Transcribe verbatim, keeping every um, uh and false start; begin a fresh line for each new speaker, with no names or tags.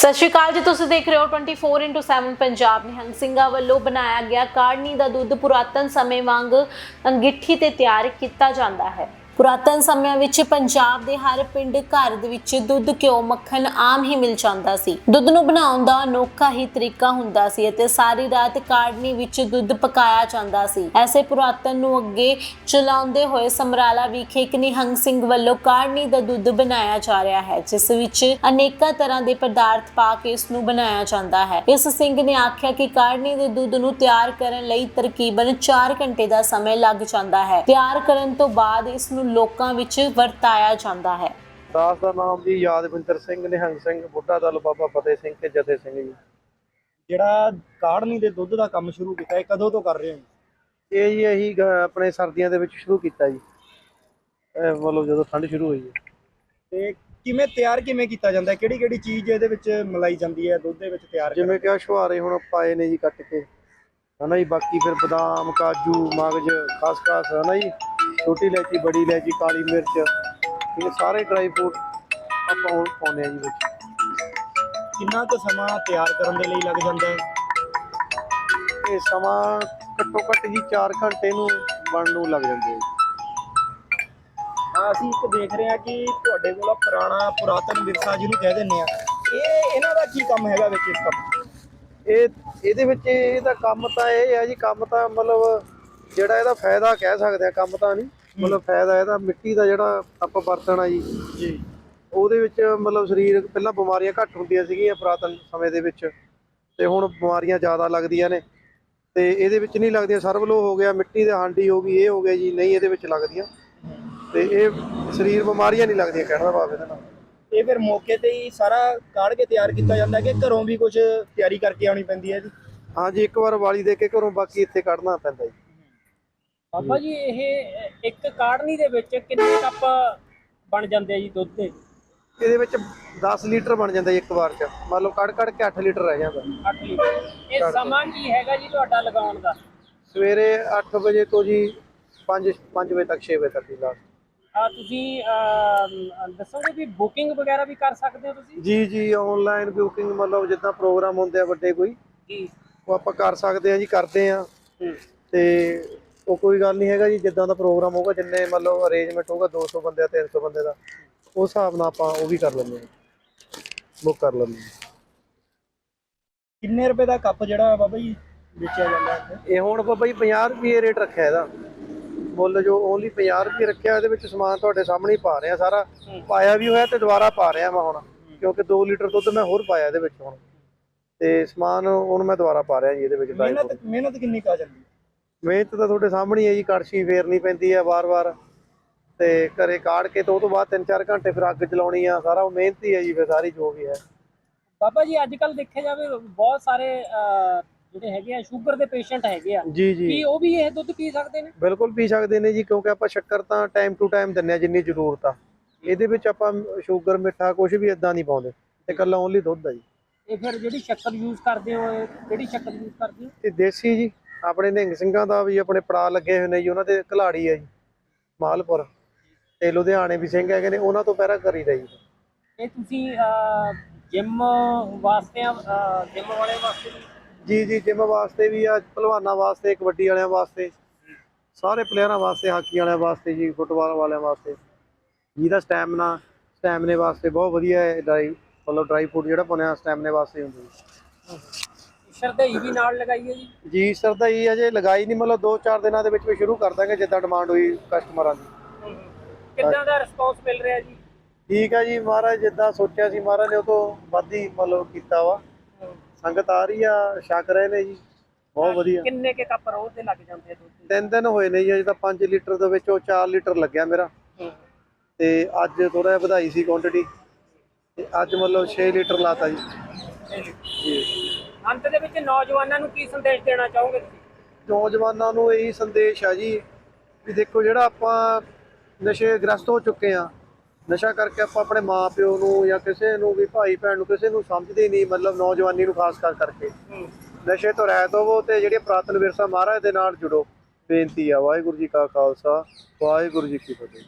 सत श्री अकाल जी, तुसीं देख रहे हो twenty four into seven Punjab. Nihang ਸਿੰਘਾਂ ਵੱਲੋਂ बनाया गया काढ़नी का दुध पुरातन समय वांग अंगिठी ते तैयार किया जाता है। पुरातन समय विच पंजाब दे हर पिंड घर दे विच दुध घ्यो मक्खन आम ही मिल जाता सी। दुध नूं बनाउण दा अनोखा ही तरीका हुंदा सी अते सारी रात काढ़नी विच दुध पकाया जाता सी। ऐसे पुरातन नूं अगे चलाउंदे होए समराला विखे एक निहंग सिंह वल्लों काढ़नी दा दुध बनाया जा रहा है, जिस विच अनेकां तरह दे पदार्थ पा के इस नूं बनाया जाता है। इस सिंह ने आख्या कि काढ़नी दे दुध नूं तैयार करन लई तकरीबन चार घंटे दा समय लग जाता है। तैयार करन तो बाद इस नूं लोकां विच वरताया जाता है।
दास का नाम जी यादविंਦਰ ਸਿੰਘ ਨਿਹੰਗ ਸਿੰਘ ਬੁੱਢਾ ਦਲ ਬਾਬਾ ਫਤਿਹ ਸਿੰਘ ਤੇ ਜਥੇ ਸਿੰਘ ਜੀ।
ਜਿਹੜਾ ਕਾੜਨੀ ਦੇ ਦੁੱਧ ਦਾ ਕੰਮ ਸ਼ੁਰੂ ਕੀਤਾ ਇਹ ਕਦੋਂ ਤੋਂ ਕਰ ਰਹੇ ਹੋ?
ਇਹ ਜੀ ਅਸੀਂ ਗ- ਆਪਣੇ ਸਰਦੀਆਂ ਦੇ ਵਿੱਚ ਸ਼ੁਰੂ ਕੀਤਾ ਜੀ, ਇਹ ਮਤਲਬ ਜਦੋਂ ਠੰਡ ਸ਼ੁਰੂ ਹੋਈ ਹੈ।
ਤੇ ਕਿਵੇਂ ਤਿਆਰ ਕਿਵੇਂ ਕੀਤਾ ਜਾਂਦਾ ਹੈ? ਕਿਹੜੀ ਕਿਹੜੀ ਚੀਜ਼ ਇਹਦੇ ਵਿੱਚ ਮਿਲਾਈ ਜਾਂਦੀ ਹੈ ਦੁੱਧ ਦੇ ਵਿੱਚ ਤਿਆਰ ਕਰਨ?
ਜਿਵੇਂ ਕਿ ਆਹ ਛੁਹਾਰੇ ਹੁਣ ਪਾਏ ਨੇ ਜੀ ਕੱਟ ਕੇ, ਹਨਾ ਜੀ। ਬਾਕੀ ਫਿਰ ਬਦਾਮ ਕਾਜੂ ਮਗਜ਼ ਖਸਖਸ, ਹਨਾ ਜੀ, ਛੋਟੀ ਇਲਾਇਚੀ ਬੜੀ ਇਲਾਇਚੀ ਕਾਲੀ ਮਿਰਚ, ਇਹ ਸਾਰੇ ਡਰਾਈ ਫਰੂਟ ਆਪਾਂ ਹੁਣ ਪਾਉਂਦੇ ਆ ਜੀ ਵਿੱਚ।
ਕਿੰਨਾ ਕੁ ਸਮਾਂ ਤਿਆਰ ਕਰਨ ਦੇ ਲਈ ਲੱਗ ਜਾਂਦਾ ਹੈ?
ਇਹ ਸਮਾਂ ਘੱਟੋ ਘੱਟ ਜੀ ਚਾਰ ਘੰਟੇ ਨੂੰ ਬਣਨ ਨੂੰ ਲੱਗ ਜਾਂਦੇ ਆ ਜੀ।
ਹਾਂ, ਅਸੀਂ ਇੱਕ ਦੇਖ ਰਹੇ ਹਾਂ ਕਿ ਤੁਹਾਡੇ ਕੋਲ ਪੁਰਾਣਾ ਪੁਰਾਤਨ ਵਿਰਸਾ ਜਿਹਨੂੰ ਕਹਿ ਦਿੰਦੇ ਆ, ਇਹ ਇਹਨਾਂ ਦਾ ਕੀ ਕੰਮ ਹੈਗਾ ਵਿੱਚ ਇਸ ਕੰਮ?
ਇਹ ਇਹਦੇ ਵਿੱਚ ਇਹਦਾ ਕੰਮ ਤਾਂ ਇਹ ਹੈ ਜੀ, ਕੰਮ ਤਾਂ ਮਤਲਬ ਜਿਹੜਾ ਇਹਦਾ ਫਾਇਦਾ ਕਹਿ ਸਕਦੇ ਆ, ਕੰਮ ਤਾਂ ਨਹੀਂ ਮਤਲਬ ਫਾਇਦਾ ਇਹਦਾ ਮਿੱਟੀ ਦਾ ਜਿਹੜਾ ਆਪਾਂ ਵਰਤਣਾ ਜੀ
ਜੀ
ਉਹਦੇ ਵਿੱਚ ਮਤਲਬ ਸਰੀਰ ਪਹਿਲਾਂ ਬਿਮਾਰੀਆਂ ਘੱਟ ਹੁੰਦੀਆਂ ਸੀਗੀਆਂ ਪੁਰਾਤਨ ਸਮੇਂ ਦੇ ਵਿੱਚ, ਤੇ ਹੁਣ ਬਿਮਾਰੀਆਂ ਜ਼ਿਆਦਾ ਲੱਗਦੀਆਂ ਨੇ। ਤੇ ਇਹਦੇ ਵਿੱਚ ਨਹੀਂ ਲੱਗਦੀਆਂ, ਸਰਵਲੋ ਹੋ ਗਿਆ, ਮਿੱਟੀ ਦੇ ਹਾਂਡੀ ਹੋ ਗਈ, ਇਹ ਹੋ ਗਿਆ ਜੀ, ਨਹੀਂ ਇਹਦੇ ਵਿੱਚ ਲੱਗਦੀਆਂ। ਤੇ ਇਹ ਸਰੀਰ ਬਿਮਾਰੀਆਂ ਨਹੀਂ ਲੱਗਦੀਆਂ ਕਹਿਣ ਦਾ ਭਾਵ ਇਹਦੇ ਨਾਲ।
ਇਹ ਫਿਰ ਮੌਕੇ ਤੇ ਹੀ ਸਾਰਾ ਕਾੜ ਕੇ ਤਿਆਰ ਕੀਤਾ ਜਾਂਦਾ ਕਿ ਘਰੋਂ ਵੀ ਕੁਝ ਤਿਆਰੀ ਕਰਕੇ ਆਉਣੀ ਪੈਂਦੀ ਹੈ ਜੀ?
ਹਾਂਜੀ, ਇੱਕ ਵਾਰ ਵਾਲੀ ਦੇ ਕੇ ਘਰੋਂ, ਬਾਕੀ ਇੱਥੇ ਕੱਢਣਾ ਪੈਂਦਾ ਜੀ।
ਬਾਬਾ ਜੀ ਇਹ ਇੱਕ ਕਾੜਨੀ ਦੇ ਵਿੱਚ ਕਿੰਨੇ ਕੱਪ ਬਣ ਜਾਂਦੇ ਆ ਜੀ ਦੁੱਧ ਦੇ?
ਇਹਦੇ ਵਿੱਚ ਦਸ ਲੀਟਰ ਬਣ ਜਾਂਦਾ ਜੀ ਇੱਕ ਵਾਰ ਚ, ਮੰਨ ਲਓ ਕੱਢ ਕੱਢ ਕੇ ਅੱਠ ਲੀਟਰ ਰਹਿ ਜਾਂਦਾ।
ਅੱਠ ਲੀਟਰ। ਇਹ ਸਮਾਂ ਕੀ ਹੈਗਾ ਜੀ ਤੁਹਾਡਾ ਲਗਾਉਣ ਦਾ?
ਸਵੇਰੇ ਅੱਠ ਵਜੇ ਤੋਂ ਜੀ ਪੰਜ ਪੰਜ ਵਜੇ ਤੱਕ, ਛੇ ਵਜੇ ਤੱਕ ਜੀ ਲਾਸਟ।
ਆ ਤੁਸੀਂ ਅਹ, ਦੱਸੋਗੇ ਵੀ ਬੁਕਿੰਗ ਵਗੈਰਾ ਵੀ ਕਰ ਸਕਦੇ ਹੋ ਤੁਸੀਂ?
ਜੀ ਜੀ ਆਨਲਾਈਨ ਬੁਕਿੰਗ, ਮਤਲਬ ਜਿੱਦਾਂ ਪ੍ਰੋਗਰਾਮ ਹੁੰਦੇ ਆ ਵੱਡੇ ਕੋਈ,
ਜੀ
ਉਹ ਆਪਾਂ ਕਰ ਸਕਦੇ ਆ ਜੀ, ਕਰਦੇ ਆ। ਤੇ ਉਹ ਕੋਈ ਗੱਲ ਨਹੀਂ ਹੈਗਾ ਜੀ, ਜਿੱਦਾਂ ਦਾ ਪ੍ਰੋਗਰਾਮ ਹੋਊਗਾ, ਜਿੰਨੇ ਮਤਲਬ ਅਰੇਂਜਮੈਂਟ ਹੋਊਗਾ, ਦੋ ਸੌ ਬੰਦੇ ਦਾ, ਤਿੰਨ ਸੌ ਬੰਦੇ ਦਾ, ਉਸ ਹਿਸਾਬ ਨਾਲ ਆਪਾਂ ਉਹ ਵੀ ਕਰ ਲੈਂਦੇ ਆ, ਬੁੱਕ ਕਰ ਲੈਂਦੇ ਆ।
ਕਿੰਨੇ ਰੁਪਏ ਦਾ ਕੱਪ ਜਿਹੜਾ ਬਾਬਾ ਜੀ ਵੇਚਿਆ ਜਾਂਦਾ ਹੈ?
ਇਹ ਹੁਣ ਬਾਬਾ ਜੀ ਪੰਜਾਹ ਰੁਪਏ ਰੇਟ ਰੱਖਿਆ ਇਹਦਾ, ਮੁੱਲ ਜੋ ਓਨਲੀ ਪੰਜਾਹ ਰੁਪਏ ਰੱਖਿਆ। ਇਹਦੇ ਵਿੱਚ ਸਮਾਨ ਤੁਹਾਡੇ ਸਾਹਮਣੇ ਹੀ ਪਾ ਰਿਹਾ, ਸਾਰਾ ਪਾਇਆ ਵੀ ਹੋਇਆ ਤੇ ਦੁਬਾਰਾ ਪਾ ਰਿਹਾ ਮੈਂ ਹੁਣ, ਕਿਉਂਕਿ ਦੋ ਲੀਟਰ ਦੁੱਧ ਮੈਂ ਹੋਰ ਪਾਇਆ ਇਹਦੇ ਵਿੱਚ ਹੁਣ, ਤੇ ਸਮਾਨ ਹੁਣ ਮੈਂ ਦੁਬਾਰਾ ਪਾ ਰਿਹਾ ਜੀ ਇਹਦੇ ਵਿੱਚ।
ਮਿਹਨਤ ਮਿਹਨਤ ਕਿੰਨੀ ਕੁ ਆ ਜਾਂਦੀ ਹੈ?
ਮਿਹਨਤ ਤਾਂ ਤੁਹਾਡੇ ਸਾਹਮਣੇ ਹੈ ਜੀ, ਕੜਛੀ ਫੇਰਨੀ ਪੈਂਦੀ ਹੈ ਵਾਰ-ਵਾਰ, ਤੇ ਘਰੇ ਕਾੜ ਕੇ ਤੇ ਉਹ ਤੋਂ ਬਾਅਦ ਤਿੰਨ ਚਾਰ ਘੰਟੇ ਫਿਰ ਅੱਗ ਚਲਾਉਣੀ ਆ, ਸਾਰਾ ਉਹ ਮਿਹਨਤ ਹੀ ਹੈ ਜੀ ਫਿਰ ਸਾਰੀ ਜੋ ਵੀ ਹੈ।
ਬਾਬਾ ਜੀ ਅੱਜ ਕੱਲ ਦੇਖਿਆ ਜਾਵੇ ਬਹੁਤ ਸਾਰੇ ਅਹ, ਜਿਹੜੇ ਹੈਗੇ ਆ ਸ਼ੂਗਰ ਦੇ ਪੇਸ਼ੈਂਟ ਹੈਗੇ ਆ,
ਜੀ ਜੀ
ਕੀ ਉਹ ਵੀ ਇਹ ਦੁੱਧ ਪੀ ਸਕਦੇ ਨੇ?
ਬਿਲਕੁਲ ਪੀ ਸਕਦੇ ਨੇ ਜੀ, ਕਿਉਂਕਿ ਆਪਾਂ ਸ਼ੱਕਰ ਤਾਂ ਟਾਈਮ ਟੂ ਟਾਈਮ ਦਿੰਦੇ ਆ ਜਿੰਨੀ ਜ਼ਰੂਰਤ ਆ। ਇਹਦੇ ਵਿੱਚ ਆਪਾਂ ਸ਼ੂਗਰ ਮਿੱਠਾ ਕੁਝ ਵੀ ਇਦਾਂ ਨਹੀਂ ਪਾਉਂਦੇ, ਤੇ ਇਕੱਲਾ ਓਨਲੀ ਦੁੱਧ ਆ ਜੀ।
ਇਹ ਫਿਰ ਜਿਹੜੀ ਸ਼ੱਕਰ ਯੂਜ਼ ਕਰਦੇ ਹੋ, ਇਹ ਕਿਹੜੀ ਸ਼ੱਕਰ ਯੂਜ਼ ਕਰਦੇ ਹੋ?
ਤੇ ਦੇਸੀ ਜੀ, ਆਪਣੇ ਨਿਹੰਗ ਸਿੰਘਾਂ ਦਾ ਵੀ ਆਪਣੇ ਪੜਾ ਲੱਗੇ ਹੋਏ ਨੇ ਜੀ, ਉਹਨਾਂ ਦੇ ਘਲਾੜੀ ਹੈ ਜੀ ਮਾਲਪੁਰ, ਤੇ ਲੁਧਿਆਣੇ ਵੀ ਸਿੰਘ ਹੈਗੇ ਨੇ, ਉਹਨਾਂ ਤੋਂ ਪਹਿਰਾ ਕਰੀਦਾ ਜੀ।
ਇਹ ਤੁਸੀਂ ਜਿਮ ਵਾਸਤੇ ਜਿਮ ਵਾਲੇ ਵਾਸਤੇ ਵੀ?
ਜੀ ਜੀ ਜਿਮ ਵਾਸਤੇ ਵੀ ਆ, ਭਲਵਾਨਾਂ ਵਾਸਤੇ, ਕਬੱਡੀ ਵਾਲਿਆਂ ਵਾਸਤੇ, ਸਾਰੇ ਪਲੇਅਰਾਂ ਵਾਸਤੇ, ਹਾਕੀ ਵਾਲਿਆਂ ਵਾਸਤੇ ਜੀ, ਫੁੱਟਬਾਲ ਵਾਲਿਆਂ ਵਾਸਤੇ, ਜਿਹਦਾ ਸਟੈਮਨਾ ਸਟੈਮਨੇ ਵਾਸਤੇ ਬਹੁਤ ਵਧੀਆ ਹੈ। ਡਰਾਈ ਮਤਲਬ ਡਰਾਈ ਫਰੂਟ ਜਿਹੜਾ ਬਣਿਆ ਸਟੈਮਨੇ ਵਾਸਤੇ ਹੁੰਦਾ ਜੀ।
ਸ਼ਰਧਾਈ ਵੀ ਨਾਲ ਲਗਾਈਏ ਜੀ?
ਜੀ ਸਰਦਾਈ ਅਜੇ ਲਗਾਈ ਨਹੀਂ, ਮਤਲਬ ਦੋ ਚਾਰ ਦਿਨਾਂ ਦੇ ਵਿੱਚ ਵੀ ਸ਼ੁਰੂ ਕਰ ਦਾਂਗੇ ਜਿੱਦਾਂ ਡਿਮਾਂਡ ਹੋਈ ਕਸਟਮਰਾਂ ਦੀ।
ਕਿੱਦਾਂ ਦਾ ਰਿਸਪੌਂਸ ਮਿਲ ਰਿਹਾ ਜੀ?
ਠੀਕ ਹੈ ਜੀ, ਮਹਾਰਾਜ ਜਿੱਦਾਂ ਸੋਚਿਆ ਸੀ ਮਹਾਰਾਜ ਨੇ ਉਹ ਤੋਂ ਵੱਧ ਹੀ ਮਤਲਬ ਕੀਤਾ ਵਾ, ਸੰਗਤ ਆ ਰਹੀ ਆ, ਛਕ ਰਹੇ ਨੇ ਜੀ, ਬਹੁਤ ਵਧੀਆ।
ਕਿੰਨੇ ਕੇ ਕੱਪ ਰੋਜ਼ ਦੇ ਲੱਗ ਜਾਂਦੇ ਆ ਦੁੱਧ ਦੇ?
ਤਿੰਨ ਦਿਨ ਹੋਏ ਨੇ ਜੀ, ਅਜੇ ਤਾਂ ਪੰਜ ਲੀਟਰ ਦੇ ਵਿੱਚੋਂ ਚਾਰ ਲੀਟਰ ਲੱਗਿਆ ਮੇਰਾ, ਤੇ ਅੱਜ ਥੋੜਾ ਜਿਹਾ ਵਧਾਈ ਸੀ ਕੁਆਂਟੀਟੀ, ਤੇ ਅੱਜ ਮਤਲਬ ਛੇ ਲੀਟਰ ਲਾਤਾ ਜੀ। ਜੀ
ਅੰਤ ਦੇ ਵਿੱਚ ਨੌਜਵਾਨਾਂ ਨੂੰ ਕੀ ਸੰਦੇਸ਼ ਦੇਣਾ ਚਾਹੋਗੇ ਤੁਸੀਂ?
ਨੌਜਵਾਨਾਂ ਨੂੰ ਇਹੀ ਸੰਦੇਸ਼ ਆ ਜੀ ਵੀ ਦੇਖੋ, ਜਿਹੜਾ ਆਪਾਂ ਨਸ਼ੇ ਗ੍ਰਸਤ ਹੋ ਚੁੱਕੇ ਆ, ਨਸ਼ਾ ਕਰਕੇ ਆਪਾਂ ਆਪਣੇ ਮਾਂ ਪਿਓ ਨੂੰ ਜਾਂ ਕਿਸੇ ਨੂੰ ਵੀ, ਭਾਈ ਭੈਣ ਨੂੰ, ਕਿਸੇ ਨੂੰ ਸਮਝਦੇ ਨਹੀਂ, ਮਤਲਬ ਨੌਜਵਾਨੀ ਨੂੰ ਖਾਸ ਕਰ ਕਰਕੇ ਨਸ਼ੇ ਤੋਂ ਰਹਿਤ ਹੋਵੋ, ਤੇ ਜਿਹੜੇ ਪੁਰਾਤਨ ਵਿਰਸਾ ਮਹਾਰਾਜ ਦੇ ਨਾਲ ਜੁੜੋ। ਬੇਨਤੀ ਆ। ਵਾਹਿਗੁਰੂ ਜੀ ਕਾ ਖਾਲਸਾ, ਵਾਹਿਗੁਰੂ ਜੀ ਕੀ ਫਤਿਹ।